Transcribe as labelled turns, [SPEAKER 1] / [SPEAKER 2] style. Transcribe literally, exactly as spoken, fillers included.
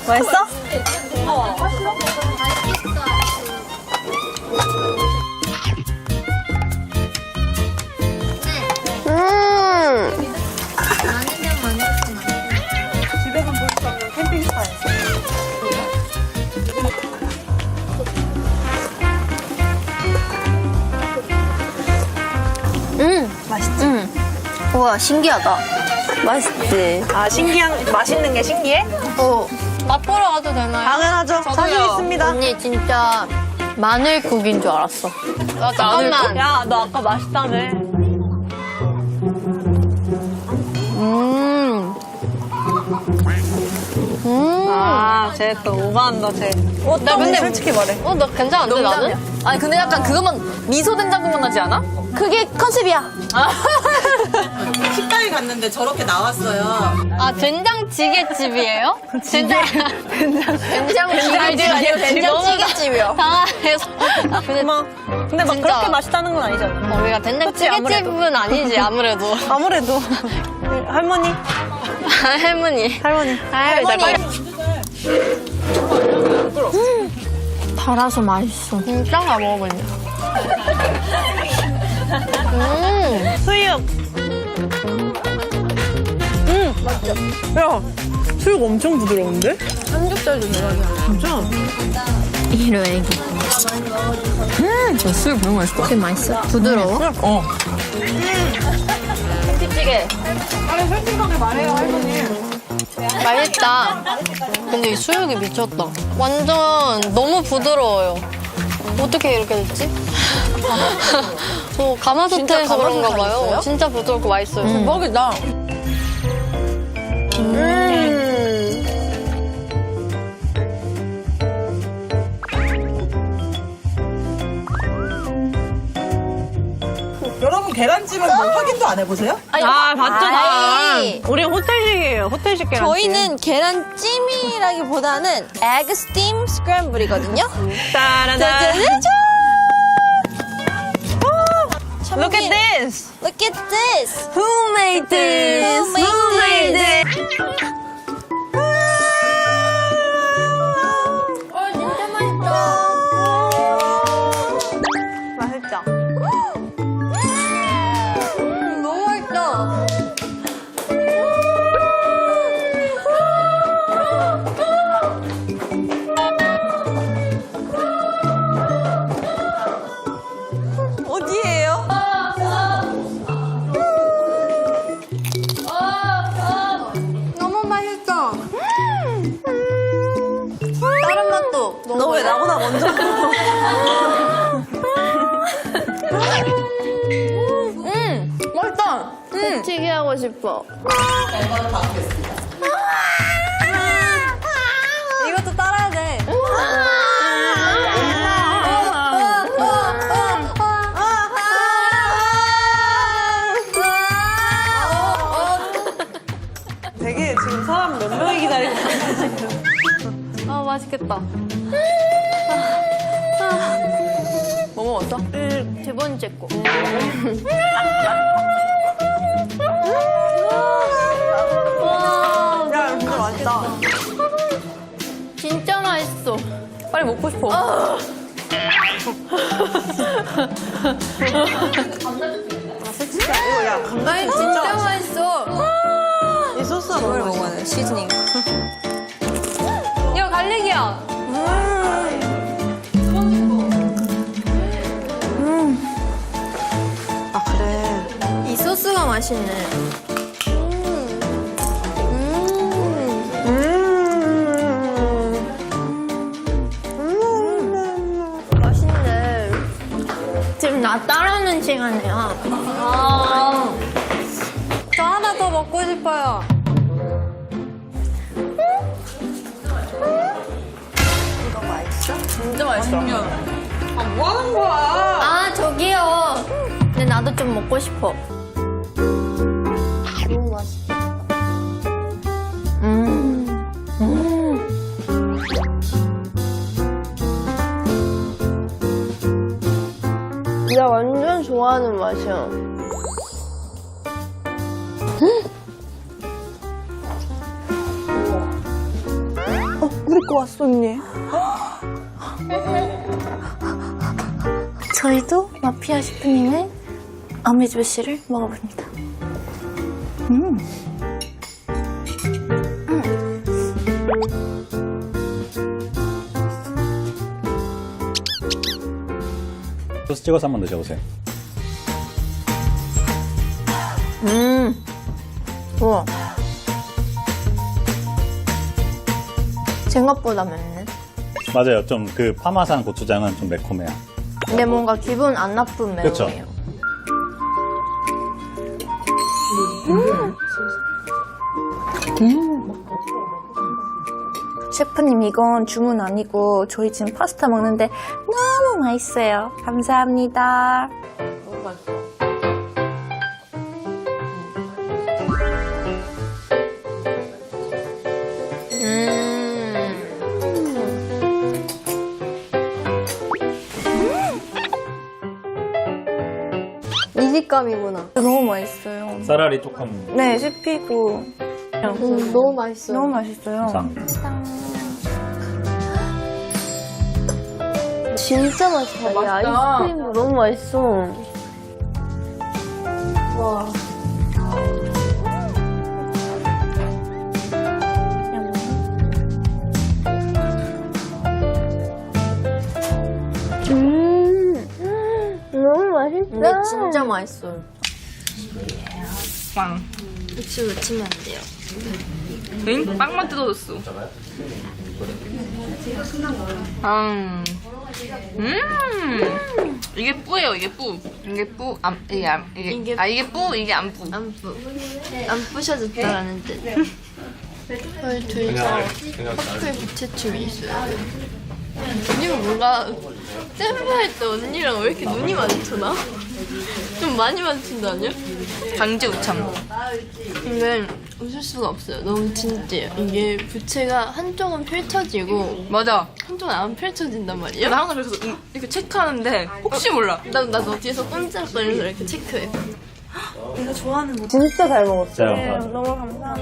[SPEAKER 1] 맛있어?
[SPEAKER 2] 음.
[SPEAKER 1] 집에서 볼 수 없는 캠핑 스타일.
[SPEAKER 2] 음.
[SPEAKER 1] 맛있지?
[SPEAKER 2] 음. 우와, 신기하다. 맛있지?
[SPEAKER 1] 아, 신기한, 맛있는 게 신기해?
[SPEAKER 2] 어. 맛보러 가도 되나요?
[SPEAKER 1] 당연하죠. 자신 있습니다.
[SPEAKER 2] 언니, 진짜 마늘국인 줄 알았어. 아, 잠깐만.
[SPEAKER 1] 야, 너 아까 맛있다며.
[SPEAKER 2] 음. 음.
[SPEAKER 1] 아, 쟤 또 오버한다, 쟤. 어,
[SPEAKER 2] 나 근데
[SPEAKER 1] 솔직히 말해.
[SPEAKER 2] 어, 나 괜찮은데, 나는?
[SPEAKER 3] 아니 근데 약간 그것만 미소 된장국만 나지 않아?
[SPEAKER 2] 그게 컨셉이야.
[SPEAKER 4] 식당에 갔는데 저렇게 나왔어요.
[SPEAKER 2] 아, 된장찌개집이에요? 된장. 된장. 된장찌개집 아니고 된장찌개집이요. 당황해서. 근데,
[SPEAKER 1] 고마워. 근데 막
[SPEAKER 2] 진짜.
[SPEAKER 1] 그렇게 맛있다는 건 아니잖아.
[SPEAKER 2] 어, 우리가 된장찌개집은 아니지, 아무래도.
[SPEAKER 1] 아무래도. 할머니?
[SPEAKER 2] 할머니.
[SPEAKER 1] 할머니.
[SPEAKER 2] 할머니. 음, 달아서 맛있어. 진짜 다 먹어보냐. 음.
[SPEAKER 1] 수육. 음, 맞죠? 야, 수육 엄청 부드러운데?
[SPEAKER 2] 삼겹살도 대박이야.
[SPEAKER 1] 진짜?
[SPEAKER 2] 이런 애기.
[SPEAKER 3] 음, 저 수육 너무 맛있어.
[SPEAKER 2] 되게 맛있어? 부드러워?
[SPEAKER 3] 어.
[SPEAKER 2] 김치찌개. 아니, 솔직하게 말해요, 할머니. 맛있다. 근데 이 수육이 미쳤다. 완전 너무 부드러워요. 어떻게 이렇게 됐지? 저 가마솥에서 그런가 봐요. 진짜 부드럽고 맛있어요.
[SPEAKER 3] 음.
[SPEAKER 2] 대박이다. 음.
[SPEAKER 4] 여러분 계란찜은 뭐 확인도 안 해보세요?
[SPEAKER 1] 아, 봤잖아.
[SPEAKER 2] 아이.
[SPEAKER 1] 우리 호텔식이에요. 호텔식 계란찜.
[SPEAKER 5] 저희는 계란찜이라기보다는 egg steam scramble이거든요.
[SPEAKER 1] 따라다.
[SPEAKER 5] 짜자자자!
[SPEAKER 1] Look at this.
[SPEAKER 5] Look at this!
[SPEAKER 1] Who made this?
[SPEAKER 5] Who made this?
[SPEAKER 2] 어, 진짜 맛있다.
[SPEAKER 1] 맛있죠?
[SPEAKER 2] 너무 맛있다.
[SPEAKER 5] 어디예요?
[SPEAKER 2] 너무 맛있어. 다른 맛도
[SPEAKER 1] 너 왜 나보다 먼저?
[SPEAKER 2] 음, 맛있다. 배치기 하고 싶어.
[SPEAKER 5] 이것도 따라야 돼.
[SPEAKER 1] 되게 지금 사람 몇 명이 기다리고 있는데 지금.
[SPEAKER 2] 아, 맛있겠다.
[SPEAKER 3] 뭐 먹었어?
[SPEAKER 2] 두 번째 거. 와,
[SPEAKER 1] 야, 진짜 맛있다.
[SPEAKER 2] 진짜 맛있어.
[SPEAKER 3] 빨리 먹고 싶어.
[SPEAKER 1] 이거 야, 감자튀김
[SPEAKER 2] 진짜
[SPEAKER 1] 진짜
[SPEAKER 2] 맛있어.
[SPEAKER 1] 이 소스가 너무 맛있어.
[SPEAKER 4] 먹어야 돼, 시즈닝.
[SPEAKER 2] 이거 갈릭이야.
[SPEAKER 1] 아, 그래.
[SPEAKER 2] 이 소스가 맛있네. 맛있네. 지금 나 따라하는 시간이야. 아, 저 하나 더 먹고 싶어요.
[SPEAKER 3] 진짜 맛있어.
[SPEAKER 4] 뭐 하는 거야?
[SPEAKER 2] 아, 저기요. 근데 나도 좀 먹고 싶어. 너무 맛있다. 음. 음. 나 완전 좋아하는 맛이야. 어?
[SPEAKER 5] 왔어, 언니. 저희도 마피아 셰프님의 아메즈베시를 먹어봅니다. 음.
[SPEAKER 6] 소스 찍어서 한번 드셔보세요.
[SPEAKER 2] 음. 우와. 생각보다 맵네.
[SPEAKER 6] 맞아요. 좀 그 파마산 고추장은 좀 매콤해요.
[SPEAKER 2] 근데 뭔가 기분 안 나쁜
[SPEAKER 6] 그쵸?
[SPEAKER 2] 매운이에요.
[SPEAKER 5] 셰프님, 이건 주문 아니고 저희 지금 파스타 먹는데 너무 맛있어요. 감사합니다.
[SPEAKER 2] 이 식감이구나.
[SPEAKER 5] 너무 맛있어요.
[SPEAKER 6] 쌀알이 조금
[SPEAKER 5] 네, 씹히고
[SPEAKER 2] 음, 너무 맛있어.
[SPEAKER 5] 너무 맛있어요.
[SPEAKER 6] 감사합니다.
[SPEAKER 2] 진짜 맛있다. 이 아이스크림도 너무 맛있어. 와. 음, 너무 맛있다. 근데 진짜 맛있어요.
[SPEAKER 3] 빵.
[SPEAKER 2] 혹시 외치면 안 돼요?
[SPEAKER 3] 응? 빵만 뜯어줬어. 음. 음. 이게 뿌예요, 이게 뿌. 이게 뿌, 안, 이게 안, 이게,
[SPEAKER 2] 이게
[SPEAKER 3] 아, 이게 뿌, 이게 안 뿌.
[SPEAKER 2] 안 뿌. 안 부셔졌다라는 뜻. 저희 둘다 커플 부채춤이 있어요. 언니가 뭔가 샘플할 때 언니랑 왜 이렇게 눈이 마주치나? 좀 많이 마주친다 아니야?
[SPEAKER 3] 강제 우참.
[SPEAKER 2] 근데 웃을 수가 없어요. 너무 진지해요. 이게 부채가 한쪽은 펼쳐지고
[SPEAKER 3] 맞아.
[SPEAKER 2] 한쪽은 안 펼쳐진단 말이에요.
[SPEAKER 3] 나 항상 그래서 음, 이렇게 체크하는데 혹시 몰라.
[SPEAKER 2] 나도 나도 뒤에서 꼼짝거리면서 이렇게 체크해.
[SPEAKER 5] 내가 좋아하는 거.
[SPEAKER 1] 진짜 잘 먹었어요.
[SPEAKER 6] 자,
[SPEAKER 5] 너무 감사합니다.